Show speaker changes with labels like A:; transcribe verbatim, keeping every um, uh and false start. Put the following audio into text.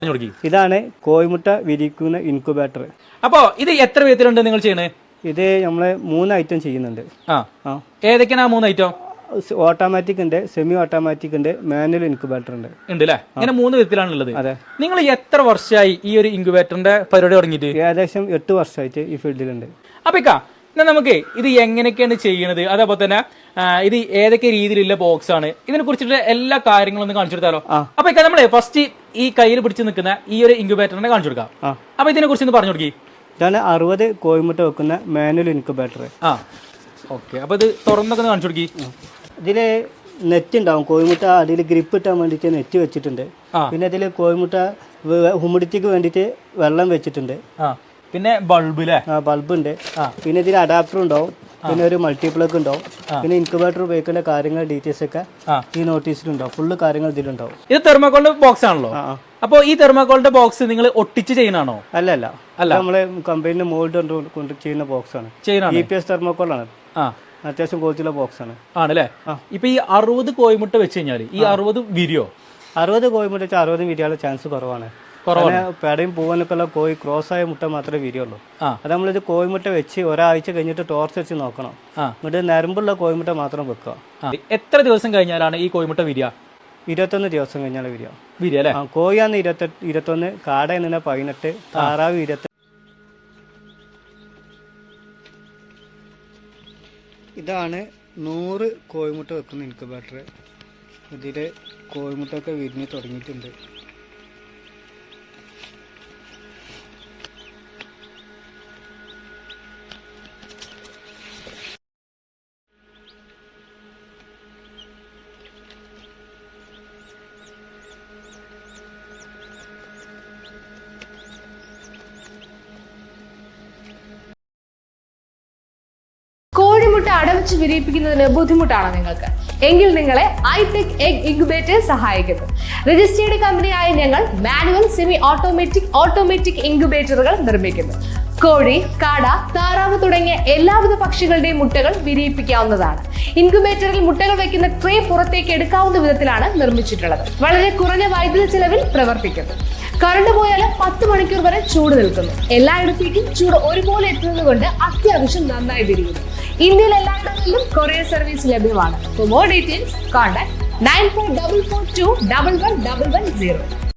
A: ഇതാണ് കോഴിമുട്ട വിരിക്കുന്ന ഇൻക്യുബേറ്റർ.
B: അപ്പോൾ ഇത് എത്ര വിധത്തിലുണ്ട് നിങ്ങൾ ചെയ്യണേ?
A: ഇത് നമ്മള് മൂന്ന് ഐറ്റം ചെയ്യുന്നുണ്ട്.
B: ആ ആ ഏതൊക്കെയാണ് ആ മൂന്ന് ഐറ്റം?
A: ഓട്ടോമാറ്റിക് ഉണ്ട്, സെമി ഓട്ടോമാറ്റിക് ഉണ്ട്, മാനുവൽ ഇൻക്യുബേറ്റർ ഉണ്ട്.
B: ഉണ്ട് അല്ലേ? ഇങ്ങനെ മൂന്ന് വിധത്തിലാണ് ഉള്ളത്.
A: അതെ.
B: നിങ്ങൾ എത്ര വർഷമായി ഈ ഒരു ഇൻക്യുബേറ്ററിന്റെ പരിപാടി തുടങ്ങിയിട്ട്?
A: ഏകദേശം എട്ട് വർഷമായിട്ട് ഈ ഫീൽഡിലുണ്ട്.
B: അപ്പൊ ഇക്ക എന്നാൽ നമുക്ക് ഇത് എങ്ങനെയൊക്കെയാണ് ചെയ്യണത്, അതേപോലെ തന്നെ ഇത് ഏതൊക്കെ രീതിയിലുള്ള ബോക്സ് ആണ്, ഇതിനെ കുറിച്ചിട്ട് എല്ലാ കാര്യങ്ങളും ഒന്ന് കാണിച്ചു കൊടുത്താലോ? അപ്പൊ ഇക്ക നമ്മളെ ഫസ്റ്റ് ഈ കയ്യിൽ പിടിച്ച് നിൽക്കുന്ന ഈ ഒരു ഇൻക്യുബേറ്ററിനെ കാണിച്ചു കൊടുക്കാം. അപ്പൊ ഇതിനെ കുറിച്ച് ഒന്ന് പറഞ്ഞു കൊടുക്കി.
A: ഇതാണ് അറുപത് കോഴിമുട്ട വെക്കുന്ന മാനുവൽ ഇൻക്യുബേറ്റർ.
B: ആ ഓക്കെ. അപ്പൊ ഇത് തുറന്നൊക്കെ കാണിച്ചു കൊടുക്കി.
A: ഇതില് നെറ്റ് ഉണ്ടാവും, കോഴിമുട്ട അതിൽ ഗ്രിപ്പ് ഇട്ടാൻ വേണ്ടിയിട്ട് നെറ്റ് വെച്ചിട്ടുണ്ട്. പിന്നെ ഇതിൽ കോഴിമുട്ട ഹ്യൂമിഡിറ്റിക്ക് വേണ്ടിയിട്ട് വെള്ളം വെച്ചിട്ടുണ്ട്.
B: പിന്നെ ബൾബ്
A: ബൾബ് ഉണ്ട്. പിന്നെ ഇതിൽ അഡാപ്റ്റർ ഉണ്ടാവും, പിന്നെ ഒരു മൾട്ടിപ്ലഗ് ഉണ്ടാവും, പിന്നെ ഇൻക്യുബേറ്റർ ഉപയോഗിക്കുന്ന കാര്യങ്ങൾ ഡീറ്റെയിൽസ് ഒക്കെ ഈ നോട്ടീസിലുണ്ടാവും. ഫുള്ള് കാര്യങ്ങൾ ഇതിലുണ്ടാവും.
B: ഇത് തെർമോക്കോളിന്റെ ബോക്സ് ആണല്ലോ. അപ്പൊ ഈ തെർമോക്കോളിന്റെ ബോക്സ് നിങ്ങൾ ഒട്ടിച്ച് ചെയ്യുന്നതാണോ?
A: അല്ല അല്ല അല്ല നമ്മള് കമ്പനിന്റെ മോൾഡ് കൊണ്ട് ചെയ്യുന്ന ബോക്സ് ആണ്. ഇ പി എസ് തെർമോക്കോൾ ആണ്. അത്യാവശ്യം ക്വാളിറ്റിയുള്ള ബോക്സ് ആണ്. ആണല്ലേ?
B: ഇപ്പൊ ഈ അറുപത് കോഴിമുട്ട വെച്ച് കഴിഞ്ഞാൽ ഈ അറുപത് വിരിയോ?
A: അറുപത് കോഴിമുട്ട വെച്ചാൽ അറുപത് വിരിയാനുള്ള ചാൻസ് കുറവാണ്. പേടയും പൂവനൊക്കെ ഉള്ള കോഴി ക്രോസ് ആയ മുട്ട മാത്രമേ വിരിയുള്ളൂ. അത് നമ്മളിത് കോഴിമുട്ട വെച്ച് ഒരാഴ്ച കഴിഞ്ഞിട്ട് ടോർച്ച് വെച്ച് നോക്കണം. എന്നിട്ട് നരമ്പുള്ള കോഴിമുട്ട മാത്രം വെക്കുക.
B: എത്ര ദിവസം കഴിഞ്ഞാലാണ് ഈ കോഴിമുട്ട വിരിയ?
A: ഇരുപത്തൊന്ന് ദിവസം കഴിഞ്ഞാൽ വിരിയ
B: വിരിയ അല്ലേ?
A: കോഴിയാന്ന് ഇരുപത്തെട്ട് ഇരുപത്തൊന്ന് കാട എന്ന പതിനെട്ട്, താറാവ് ഇരുപത്തി. ഇതാണ് നൂറ് കോഴിമുട്ട വെക്കുന്ന ഇൻക്യുബേറ്റർ. ഇതിൽ കോഴിമുട്ട ഒക്കെ വിരിഞ്ഞ് തുടങ്ങിയിട്ടുണ്ട്.
C: കോഴിമുട്ട അടവച്ച് വിരിയിപ്പിക്കുന്നതിന് ബുദ്ധിമുട്ടാണോ നിങ്ങൾക്ക്? എങ്കിൽ നിങ്ങളെ ഐടെക് എഗ് ഇൻക്യുബേറ്റർ സഹായിക്കുന്നു. രജിസ്റ്റേർഡ് കമ്പനിയായ ഞങ്ങൾ മാനുവൽ, സെമി ഓട്ടോമാറ്റിക്, ഓട്ടോമാറ്റിക് ഇൻക്യുബേറ്ററുകൾ നിർമ്മിക്കുന്നു. കോഴി, കാട, താറാവ് തുടങ്ങിയ എല്ലാവിധ പക്ഷികളുടെയും മുട്ടകൾ വിരിയിപ്പിക്കാവുന്നതാണ്. ഇൻക്യുബേറ്ററിൽ മുട്ടകൾ വയ്ക്കുന്ന ട്രേ പുറത്തേക്ക് എടുക്കാവുന്ന വിധത്തിലാണ് നിർമ്മിച്ചിട്ടുള്ളത്. വളരെ കുറഞ്ഞ വൈദ്യുതി ചെലവിൽ പ്രവർത്തിക്കുന്നു. കറണ്ട് പോയാൽ പത്ത് മണിക്കൂർ വരെ ചൂട് നിൽക്കുന്നു. എല്ലായിടത്തേക്കും ചൂട് ഒരുപോലെ എത്തുന്നത് കൊണ്ട് അത്യാവശ്യം നന്നായി വിരിയുന്നു. ഇന്ത്യയിൽ എല്ലായിടങ്ങളിലും കൊറിയർ സർവീസ് ലഭ്യമാണ്. For more details contact nine four double four two double one double one zero.